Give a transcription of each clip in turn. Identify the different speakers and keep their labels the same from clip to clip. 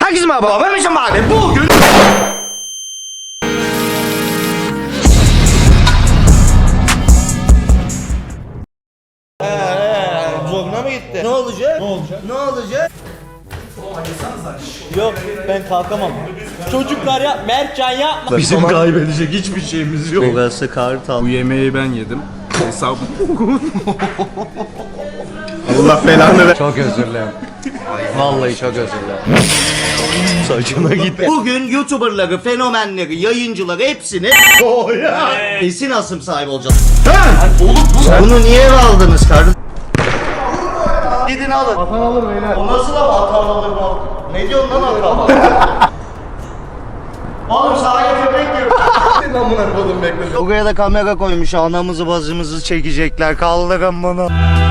Speaker 1: Herkese merhaba, ben Mişim abi. Bugün... Zoruna mı gitti? Ne olacak?
Speaker 2: Ne olacak?
Speaker 1: Ne olacak?
Speaker 2: Yok ben kalkamam. Çocuklar ya Mertcan yapma.
Speaker 3: Bizim kaybedecek hiçbir şeyimiz yok.
Speaker 1: Burası Kartal.
Speaker 3: Bu yemeği ben yedim. Hesap. Allah belanı ver.
Speaker 1: Çok özür dilerim. Vallahi çok özür dilerim. Saçına gitti. Bugün YouTuber'ları, fenomenleri, yayıncıları hepsini Esin asım sahibi olacağız. Bunu niye eve aldınız kardeşim? Gidin alın.
Speaker 3: Vatan alır beyler.
Speaker 1: O nasıl da vatan alır mı? Ne diyorsun lan akaba? Oğlum sahaya köpek gibi.
Speaker 3: Amına kodum bekle.
Speaker 1: Buraya da kamera koymuş, anamızı bazımızı çekecekler, kaldırın bunu.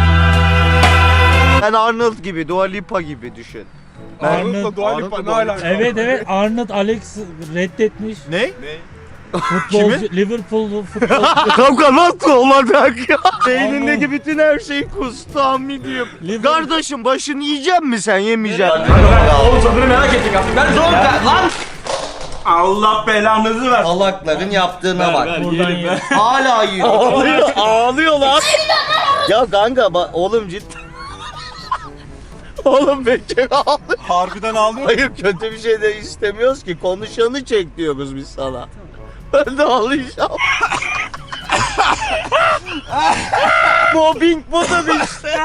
Speaker 1: Ben Arnold gibi, Dua Lipa gibi düşün.
Speaker 3: Arnold'la Dua Lipa ne alaka?
Speaker 4: Evet Arnold Alex reddetmiş.
Speaker 3: Ne?
Speaker 4: Futbolcu Liverpool futbol.
Speaker 1: Kanka nasıl olacak ya? Beynindeki bütün her şeyi kustu amirim. Kardeşim başını yiyecek mi sen, yemeyecek misin?
Speaker 2: Oğlum tadını merak ettik artık. Ben zor lan.
Speaker 3: Allah belanızı ver.
Speaker 1: Salakların yaptığına bak.
Speaker 4: Buradan ye.
Speaker 1: Hala yiyor. Ağlıyor lan. Ya kanka oğlum cidden. Oğlum bekle ağlıyor.
Speaker 3: Harbiden ağlıyor.
Speaker 1: Hayır kötü bir şey de istemiyoruz ki. Konuşanı çek diyoruz biz sana. Ben de ağlayacağım. Mobbing budur işte.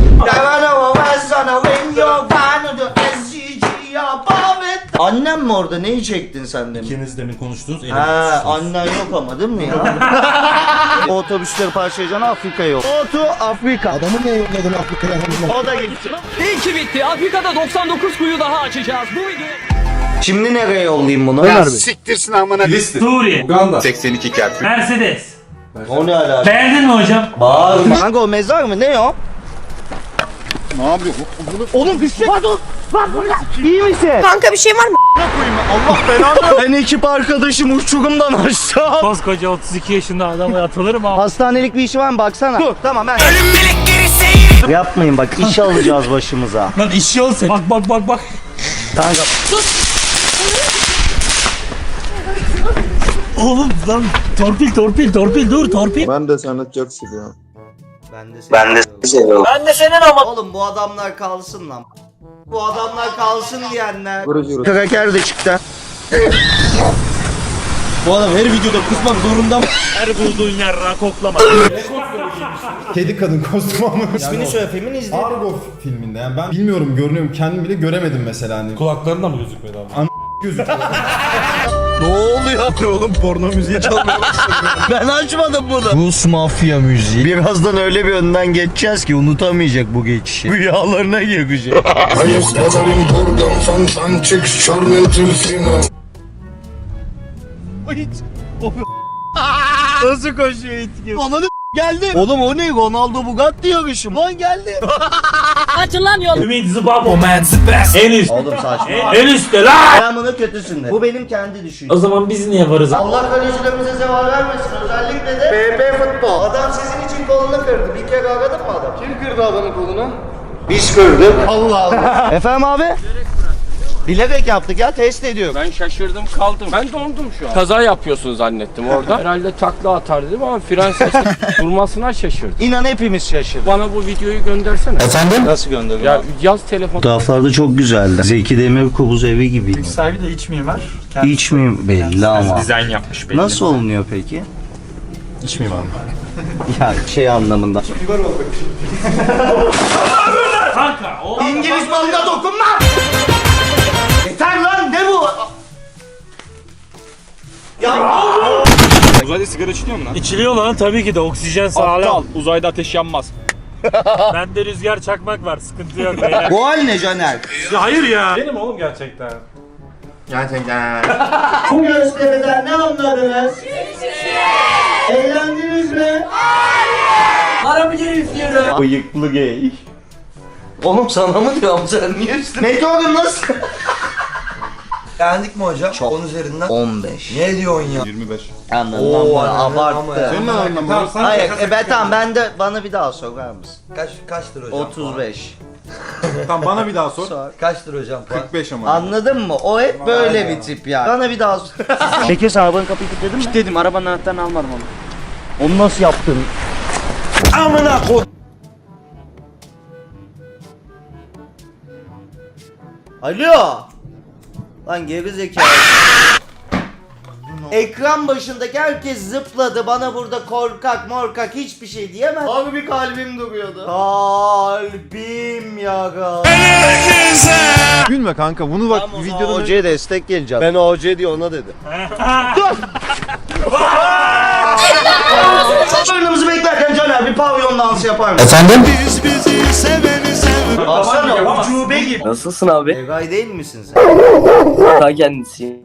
Speaker 1: Annem mi orada? Neyi çektin sen demin?
Speaker 4: İkiniz demin konuştunuz.
Speaker 1: Ha, annen yok ama değil mi ya? O otobüsleri parçalayacaksın, Afrika yok. Otu Afrika.
Speaker 3: Adamı niye yolladın Afrika'ya?
Speaker 1: O da gitti.
Speaker 2: İyi ki bitti. Afrika'da 99 kuyu daha açacağız. Bu video.
Speaker 1: Şimdi nereye yollayayım bunu?
Speaker 3: Ya siktirsin amına. Filistin.
Speaker 4: Suriye.
Speaker 3: Uganda. 82 kert.
Speaker 4: Mercedes.
Speaker 1: O ne alaka?
Speaker 4: Beğendin mi hocam?
Speaker 1: Bağırma. Kanka o mezar mı? Ne o?
Speaker 3: Ne yapıyor?
Speaker 1: Oğlum bir şey. Pardon. Bak burada. İyi misin?
Speaker 5: Kanka bir şey var mı?
Speaker 1: Allah belanı. Ben ekip arkadaşım uçurumdan aşağı.
Speaker 4: Koskoca 32 yaşında adama atılır mı?
Speaker 1: Hastanelik bir işi var mı? Baksana. Dur tamam ben. Ölüm melekleri seyir. Yapmayın bak, iş alacağız başımıza.
Speaker 4: Lan işi olsun. Bak.
Speaker 1: Kanka.
Speaker 4: Oğlum lan torpil dur torpil.
Speaker 3: Ben de sana çok seviyorum.
Speaker 1: Ben de senin ama. Oğlum bu adamlar kalsın lan. Bu adamlar kalsın diyenler.
Speaker 3: Vurucu.
Speaker 1: Kraker de çıktı.
Speaker 2: Bu adam her videoda kusmak zorunda mı?
Speaker 4: Her bulduğun yerden koklama.
Speaker 6: Kedi kadın kostümü ama.
Speaker 1: İsmini söyle, filmin izledim.
Speaker 6: Argo filminde yani ben bilmiyorum, görünüyorum, kendim bile göremedim mesela hani.
Speaker 4: Kulaklarında mı gözükmedi abi?
Speaker 6: Gözüküyor.
Speaker 1: Ne oluyor?
Speaker 3: Oğlum porno müziği çalmaya başladı.
Speaker 1: Ben açmadım bunu. Rus mafya müziği. Birazdan öyle bir önden geçeceğiz ki unutamayacak bu geçişi. Rüyalarına girecek. Nasıl koşuyor itki? Ananı geldi. Oğlum o ne? Ronaldo Bugatti yarışı mı? Lan geldi.
Speaker 5: Açın lan yol.
Speaker 4: Ümit Zıbabo man the best. En üst.
Speaker 1: Oğlum saçma.
Speaker 4: En üstte lan.
Speaker 1: Ben bunu kötüsünde. Bu benim kendi düşüncem.
Speaker 4: O zaman biz niye varız?
Speaker 1: Allah kalecilerimize zeval vermesin. Özellikle de BP futbol. Adam sizin için kolunu kırdı. Bir kere aradın mı adam?
Speaker 3: Kim kırdı adamın kolunu?
Speaker 1: Biz kırdık. Allah Allah. Efendim abi? Bilerek yaptık ya, test ediyor.
Speaker 7: Ben şaşırdım kaldım. Ben dondum şu an. Kaza yapıyorsun zannettim orada. Herhalde takla atar dedim ama fren sesi durmasına şaşırdım.
Speaker 1: İnan hepimiz şaşırdık.
Speaker 7: Bana bu videoyu göndersene.
Speaker 1: Efendim? Nasıl gönderiyor?
Speaker 7: Ya yaz telefon.
Speaker 1: Fotoğraflarda çok güzeldi. Zeki Demirkubuz evi gibi.
Speaker 4: Sahibi de iç mimar.
Speaker 1: Hiç mi belli ama.
Speaker 4: Dizayn yapmış belli.
Speaker 1: Nasıl olunuyor peki?
Speaker 4: İç mimar.
Speaker 1: Ya şey anlamında.
Speaker 4: Kanka o.
Speaker 1: İngiliz malına dokunma! Yeter lan, ne bu? Ya
Speaker 3: Uzayda sigara içiliyor mu lan?
Speaker 4: İçiliyor lan tabii ki de oksijen sağlam.
Speaker 7: Uzayda ateş yanmaz.
Speaker 4: Bende rüzgar çakmak var, sıkıntı yok beyler.
Speaker 1: bu hal ne Caner?
Speaker 4: Hayır ya. Benim oğlum gerçekten.
Speaker 3: Gerçekten.
Speaker 1: Bu gösteriden ne anladınız? Eğlendiniz mi?
Speaker 2: Para mı geliyor?
Speaker 1: Bıyıklı gay. Oğlum sana mı diyorum, sen niye üstüne? Meteorun nasıl?
Speaker 8: Beğendik mi hocam?
Speaker 1: Çok.
Speaker 8: 10 üzerinden.
Speaker 1: 15.
Speaker 8: Ne diyorsun ya?
Speaker 3: 25.
Speaker 1: Anladım
Speaker 8: Oo,
Speaker 1: ama
Speaker 8: anladım ama
Speaker 1: abarttı.
Speaker 8: ya.
Speaker 3: Senin ne anlamı?
Speaker 1: Hayır, ben tamam, ben de bana bir daha sorar mısın?
Speaker 8: Kaçtır hocam?
Speaker 1: 35.
Speaker 6: Tamam bana bir daha sor.
Speaker 8: Kaçtır hocam?
Speaker 6: 45 ama.
Speaker 1: Anladın mı? O hep böyle bir tip ya. Bana bir daha Peki sen arabanın kapıyı kilitledin mi?
Speaker 2: Dedim arabanın anahtarını almadım onu.
Speaker 1: Onu nasıl yaptın?
Speaker 8: Amına koy.
Speaker 1: Alo. Lan geri zekalı. Ekran başındaki herkes zıpladı. Bana burada korkak morkak hiçbir şey diyemez. Abi bir kalbim duruyordu. Kalbim yaga.
Speaker 6: Gülme kanka bunu bak videoda
Speaker 1: OC'ye destek geleceğim. Ben OC diye ona dedim. Oyunumuzu beklerken Caner bir pavyon dansı yapar mısın? Efendim? Biz bizi seveni sev. Baksana ucube gibi.
Speaker 2: Nasılsın abi?
Speaker 1: Egay değil misin sen?
Speaker 2: Ta kendisi.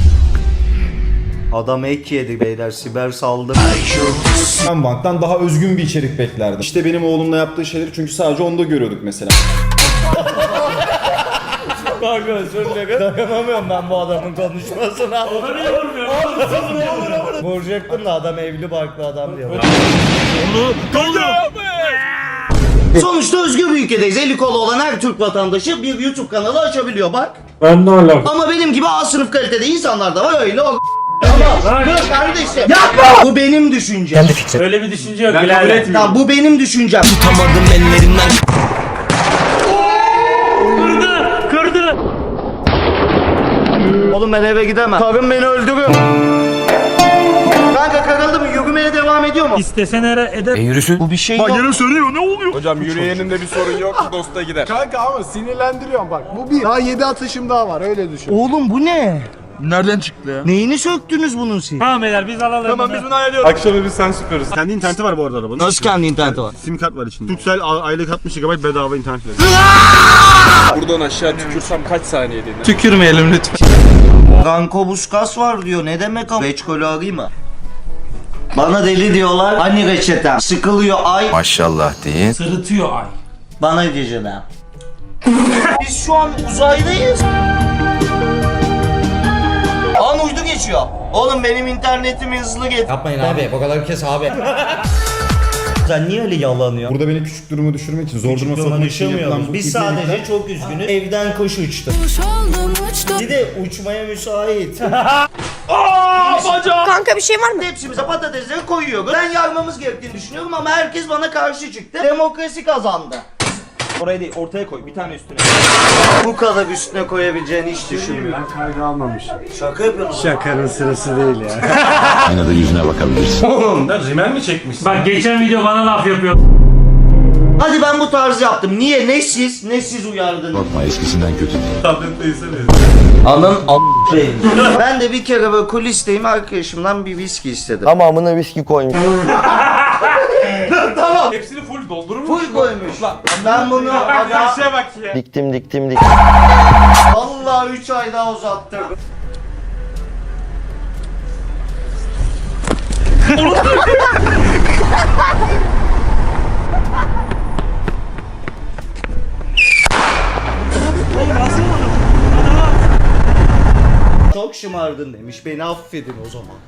Speaker 1: Adam ek yedi beyler, siber saldı.
Speaker 6: ben banktan daha özgün bir içerik beklerdim. İşte benim oğlumla yaptığı şeyleri çünkü sadece onda görüyorduk mesela.
Speaker 1: Kanka özür dilerim. Dayanamıyorum ben bu adamın konuşmasına.
Speaker 4: Onu niye vurmuyor?
Speaker 1: Vuracaktım da adam evli barklı adam diyor. Sonuçta özgür bir ülkedeyiz. Eli kolu olan her Türk vatandaşı bir YouTube kanalı açabiliyor bak.
Speaker 4: Ben de alakalı.
Speaker 1: Ama benim gibi A sınıf kalitede insanlar da var öyle o. Ama dur kardeşim. Yapma. Bu benim düşüncem.
Speaker 4: Öyle bir düşünce yok. Birader.
Speaker 1: Tamam bu benim düşüncem.
Speaker 4: Kırdı.
Speaker 1: Oğlum ben eve gidemem. Karım beni öldürür. Kanka karıldı mı? Yürümeye devam ediyor mu?
Speaker 4: İstesen eder.
Speaker 1: Bu bir şey yok.
Speaker 3: Hocam yürüyeninde bir sorun yok. Dosta gider.
Speaker 6: Kanka ama sinirlendiriyorum bak. Bu bir. Daha 7 atışım daha var öyle düşün.
Speaker 1: Oğlum bu ne?
Speaker 3: Nereden çıktı ya?
Speaker 1: Neyini söktünüz bunun siz?
Speaker 4: Tamam beyler biz alalım.
Speaker 3: Tamam biz bunu ayarlıyoruz. Akşama biz sen süperiz. Kendi interneti var bu arada arabanın.
Speaker 1: Nasıl kendi interneti var?
Speaker 3: Sim kart var içinde. Turkcell aylık 60 GB bedava internet veriyor. Buradan aşağı tükürsem kaç saniyede iner?
Speaker 8: Tükürmeyelim lütfen.
Speaker 1: Ranko Buskas var diyor. Ne demek o? Reçkolü arayayım mı? Bana deli diyorlar. Hani reçetem? Sıkılıyor ay.
Speaker 8: Maşallah deyin.
Speaker 4: Sırıtıyor ay.
Speaker 1: Bana geceler. Biz şu an uzaydayız. An uydu geçiyor. Oğlum benim internetimi hızlı get.
Speaker 2: Yapmayın abi bu kadar kes abi.
Speaker 1: Sen niye öyle yalanıyorsun?
Speaker 6: Burada beni küçük duruma düşürmek için, zor duruma sokmak için yapılan bu
Speaker 1: Biz
Speaker 6: ibnelikler-
Speaker 1: sadece çok üzgünüz. Evden kuş uçtu. Bir de uçmaya müsait.
Speaker 5: Kanka bir şey var mı?
Speaker 1: Hepsimize patatesleri koyuyoruz. Ben yarmamız gerektiğini düşünüyorum ama herkes bana karşı çıktı. Demokrasi kazandı.
Speaker 3: Oraya değil ortaya koy bir tane üstüne.
Speaker 1: Bu kadar üstüne koyabileceğini hiç düşünmüyorum.
Speaker 3: Ben kaydı almamışım.
Speaker 1: Şaka yapıyorsun.
Speaker 3: Şakanın sırası değil ya.
Speaker 8: Aynada yüzüne bakabilirsin.
Speaker 3: Oğlum da rimel mi çekmişsin?
Speaker 4: Bak geçen video bana laf yapıyor.
Speaker 1: Hadi ben bu tarzı yaptım. Niye? Ne siz uyardınız?
Speaker 8: Bakma eskisinden kötü değil.
Speaker 3: Tablette izlemiyor.
Speaker 1: Anın Ben de bir kere böyle kulisteyim arkadaşımdan bir viski istedim.
Speaker 2: Tamamına viski koymuş.
Speaker 1: Tamam.
Speaker 3: Hepsini full doldurmuş.
Speaker 1: Full koymuş. Ben bunu aga
Speaker 3: Şeye bak ya.
Speaker 2: Diktim.
Speaker 1: vallahi 3 ay daha uzattım. Çok şımardın demiş. Beni affedin o zaman.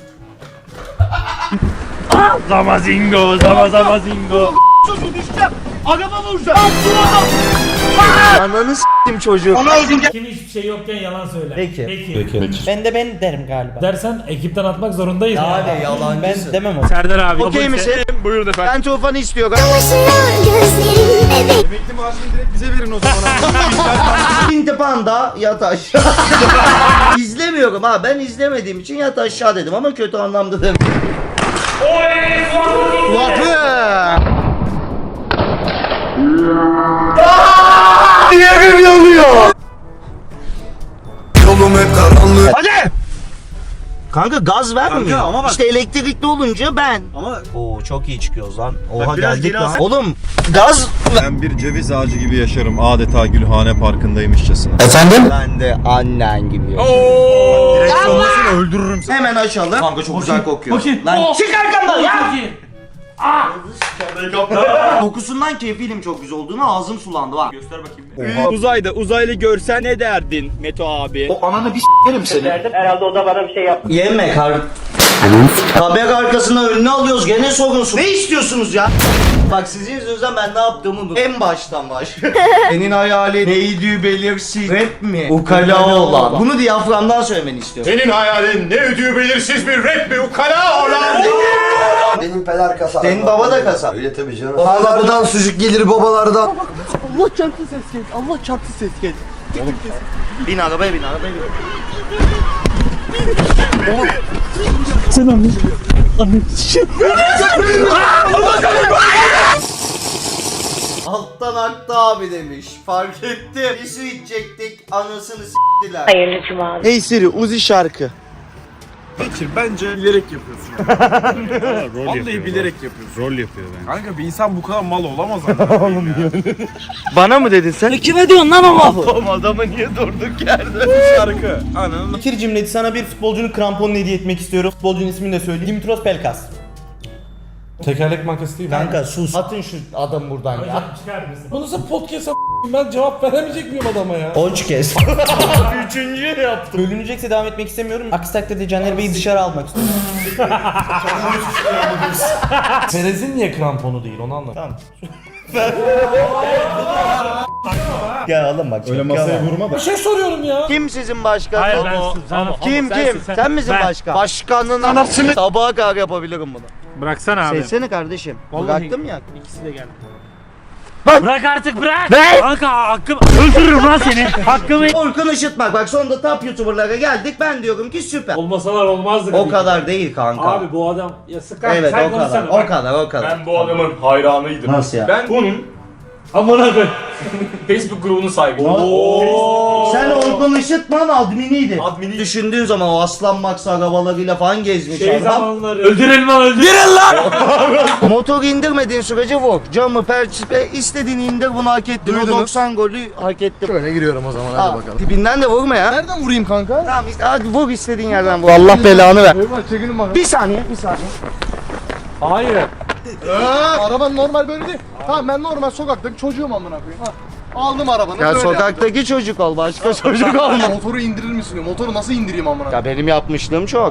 Speaker 4: Zamazingo.
Speaker 1: Susun düşeceğim. Araba vuracağım. Ananı s**tim çocuğu.
Speaker 4: Kim hiçbir şey yokken yalan söyler.
Speaker 1: Peki.
Speaker 2: Ben de ben derim galiba.
Speaker 4: Dersen ekipten atmak zorundayız.
Speaker 1: Yani yalancısın.
Speaker 2: Ben demem o.
Speaker 4: Serdar abi.
Speaker 1: Okey misin?
Speaker 3: Buyurun efendim.
Speaker 1: Ben tufanı istiyorum.
Speaker 3: Emekli maaşını direkt bize verin o zaman.
Speaker 1: Pinti Panda yat aşağı. İzlemiyorum ha. Ben izlemediğim için yat aşağı dedim ama kötü anlamda dedim. Diğerim yanıyor.
Speaker 8: Yolum hep karanlık.
Speaker 1: Hadi. Kanka gaz vermiyor.
Speaker 3: Kanka ama bak-
Speaker 1: İşte elektrikli olunca ben.
Speaker 3: Ama
Speaker 1: Oo çok iyi çıkıyoruz lan. Oha
Speaker 3: biraz
Speaker 1: geldik
Speaker 3: geri
Speaker 1: lan.
Speaker 3: alsana.
Speaker 1: Oğlum gaz
Speaker 6: Ben bir ceviz ağacı gibi yaşarım. Adeta Gülhane Parkı'ndaymışçasına.
Speaker 1: ben de annen gibi yaşıyorum.
Speaker 3: direksiyonlasını öldürürüm seni.
Speaker 1: Hemen açalım. Kanka çok güzel kokuyor.
Speaker 4: Bakayım.
Speaker 1: Lan çık arkamdan ya.
Speaker 4: Çok iyi.
Speaker 1: Kokusundan kefilim çok güzel olduğunu ağzım sulandı bak.
Speaker 3: Göster bakayım.
Speaker 7: Uzayda uzaylı görsen ne derdin Meto abi?
Speaker 1: Yeme kar. Kamera arkasına önüne alıyoruz gene sorunsuz. Ne istiyorsunuz ya? Bak sizin yüzünüzden ben ne yaptığımı unuttum. En baştan baş. Senin hayali neydi belirsiz. Rap mi? Ukala olan. Bunu diyaframdan söylemeni istiyorum.
Speaker 3: Senin hayalin ne ödüğü belirsiz bir rap mi ukala olan?
Speaker 9: Benim peder kasap.
Speaker 1: Senin baba da kasap.
Speaker 9: Öyle tabii canım. Babalardan sucuk gelir babalardan.
Speaker 2: Allah çarptı ses geldi. Allah çarptı ses geldi.
Speaker 1: Bin arabaya bin arabaya bin. Alttan aktı abi demiş. Fark ettim. Bir su içecektik. Anasını s**tiler.
Speaker 5: Hayırlı cumalar.
Speaker 2: Hey Siri Uzi şarkı.
Speaker 3: Bence bilerek yapıyorsun. Vallahi bilerek yapıyorsun. Rol yapıyor bence. Kanka bir insan bu kadar mal olamaz oğlum ya.
Speaker 2: Bana mı dedin sen?
Speaker 5: Kime diyorsun lan o lafı?
Speaker 2: Oğlum adamı niye durduk yerde?
Speaker 3: Şarkı. Ananı.
Speaker 2: Fikir cimleti sana bir futbolcunun kramponunu hediye etmek istiyorum. Futbolcunun ismini de söyleyeyim. Dimitros Pelkas.
Speaker 10: Tekerlek markası değil mi?
Speaker 1: Kanka sus. Atın şu adam buradan ya.
Speaker 10: Bu nasıl podcast ben cevap veremeyecek miyim adama ya?
Speaker 1: 13 kez.
Speaker 2: Üçüncü yaptım. Bölünecekse devam etmek istemiyorum. Aksi takdirde Caner Bey'i dışarı almak istiyorum.
Speaker 10: Perez'in niye kramponu değil onu anlamadım.
Speaker 2: Tamam. Gel oğlum bak.
Speaker 6: Öyle masaya vurma da.
Speaker 10: Bir şey soruyorum ya.
Speaker 1: Kim sizin başkan?
Speaker 4: Hayır ben
Speaker 1: Kim? Sen misin
Speaker 4: Ben.
Speaker 1: başkan? Başkanın anasını. Sabaha kadar yapabilirim bunu.
Speaker 4: Bıraksana abi.
Speaker 1: Sevsene kardeşim.
Speaker 4: Vallahi-
Speaker 1: Bıraktım ya.
Speaker 4: İkisi de geldi. Bırak artık bırak. Kanka hakkım öldürürüm lan seni. Hakkımı.
Speaker 1: Orkun Işıtmak. Bak sonunda top YouTuber'lara geldik. Ben diyorum ki süper.
Speaker 4: Olmasalar olmazdı.
Speaker 1: O kadar değil kanka.
Speaker 4: Abi bu adam ya sıkar.
Speaker 1: Evet
Speaker 4: sen
Speaker 1: o kadar.
Speaker 4: konuşsana.
Speaker 1: O kadar o kadar.
Speaker 3: Ben bu adamın hayranıydım.
Speaker 1: Nasıl ya?
Speaker 3: Ben bunun
Speaker 4: Amına koy.
Speaker 3: Facebook grubunun sahibiyim.
Speaker 1: Sen Orkun Işıtman adminiydi. Düşündüğün zaman o aslan Max arabalarıyla falan gezmiş
Speaker 4: Şey
Speaker 1: adam.
Speaker 4: zamanları. Öldürelim lan öldür.
Speaker 1: Motoru indirmediğin sürece vur. Camı, perçipe istediğini indir bunu hak ettin. O 90 golü hak ettin.
Speaker 9: Şöyle giriyorum o zaman hadi bakalım.
Speaker 1: Tipinden de vurma ya.
Speaker 9: Nereden vurayım kanka?
Speaker 1: Tamam işte hadi vur istediğin yerden vur. Allah belanı ver.
Speaker 9: Eyvah çekilin bakalım.
Speaker 1: Bir saniye bir saniye.
Speaker 4: Hayır.
Speaker 9: Araban normal böyle değil. Tamam ben normal sokaktaki çocuğum amına koyayım. Ha. Aldım arabanı
Speaker 1: Ya
Speaker 9: böyle
Speaker 1: sokaktaki çocuk ol başka çocuk olma.
Speaker 9: yaptım. Motoru indirir misin diyor. Motoru nasıl indireyim amına koyayım?
Speaker 1: Ya benim yapmışlığım çok.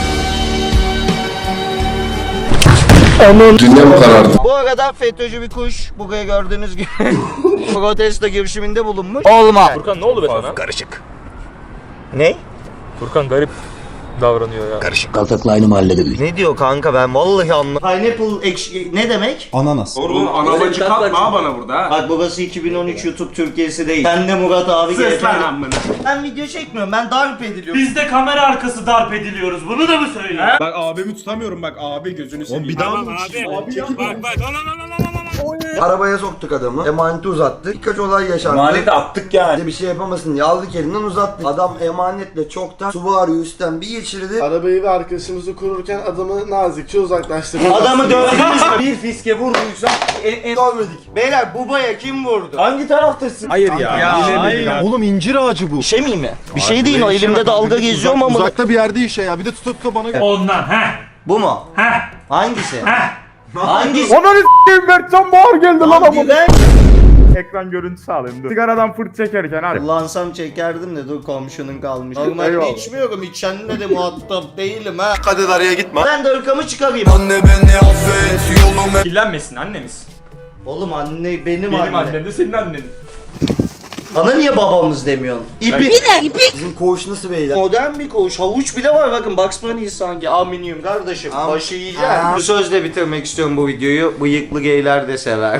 Speaker 8: Dünya mı karardı?
Speaker 1: Bu arada FETÖ'cü bir kuş buraya gördüğünüz gibi protesto girişiminde bulunmuş. Olmaz.
Speaker 4: Furkan ne oldu be sana?
Speaker 1: Karışık. Ne?
Speaker 4: Furkan garip davranıyor ya.
Speaker 8: Kaltakla aynı mahallede büyüdük.
Speaker 1: Ne diyor kanka ben vallahi anlamadım. Pineapple ekşi ne demek?
Speaker 6: Ananas.
Speaker 3: Oğlum anabacı katma bana burada ha.
Speaker 1: Bak burası 2013 YouTube Türkiye'si değil. Sen de Murat abi
Speaker 3: Ses lan
Speaker 1: gel.
Speaker 3: amına.
Speaker 1: Ben video çekmiyorum ben darp ediliyorum.
Speaker 4: Biz de kamera arkası darp ediliyoruz. Bunu da mı söyle?
Speaker 3: Bak abimi tutamıyorum bak abi gözünü seveyim.
Speaker 6: bir daha mı?
Speaker 4: Bak bak.
Speaker 9: Arabaya soktuk adamı. Emaneti uzattık. Birkaç olay yaşandı.
Speaker 3: Emaneti attık yani.
Speaker 9: Bize bir şey yapamasın diye aldık elinden uzattık. Adam emanetle çoktan Subaru üstten bir geçirdi. Arabayı ve arkadaşımızı kururken adamı nazikçe uzaklaştırdık.
Speaker 1: Adamı dövdünüz mü? Bir fiske vurduysa dövmedik. Beyler babaya kim vurdu?
Speaker 2: Hangi taraftasın?
Speaker 3: Hayır ya.
Speaker 2: Hayır.
Speaker 6: Oğlum incir ağacı bu.
Speaker 1: Bir şey miyim mi? Bir şey değil o elimde dalga geziyorum ama.
Speaker 6: Uzakta bir yerde işe ya. Bir de tutup bana
Speaker 4: Ondan he.
Speaker 1: Bu mu?
Speaker 4: He.
Speaker 1: Hangisi?
Speaker 4: He.
Speaker 1: Hangisi?
Speaker 3: Ananı s**eyim Mertcan Bağır geldi lan
Speaker 1: Hadi be.
Speaker 3: Ekran görüntüsü alayım dur. Sigaradan fırt çekerken hadi.
Speaker 1: Kullansam çekerdim de dur komşunun kalmış. Normalde
Speaker 3: Eyvallah.
Speaker 1: içmiyorum. İçenle de muhatap değilim ha.
Speaker 9: Hadi araya gitme.
Speaker 1: Ben de ırkamı çıkarayım.
Speaker 9: Anne beni affet yolumu.
Speaker 3: Kirlenmesin annemiz.
Speaker 1: Oğlum anne benim
Speaker 3: Benim
Speaker 1: anne.
Speaker 3: annem de senin annen.
Speaker 1: Bana niye babamız demiyorsun? İpi.
Speaker 9: Bizim koğuş nasıl beyler?
Speaker 1: Modern bir koğuş. Havuç bile var bakın. Bugs Bunny sanki. Aminyum kardeşim. Başı yiyeceğim. Bu sözle bitirmek istiyorum bu videoyu. Bıyıklı geyler de sever.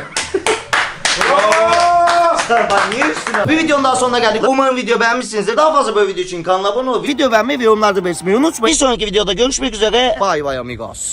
Speaker 1: Niye üstüne? Bir videonun daha sonuna geldik. Umarım video beğenmişsinizdir. Daha fazla böyle video için kanala abone olup video beğenmeyi ve yorumlarda belirtmeyi unutmayın. Bir sonraki videoda görüşmek üzere. Bay bay amigos.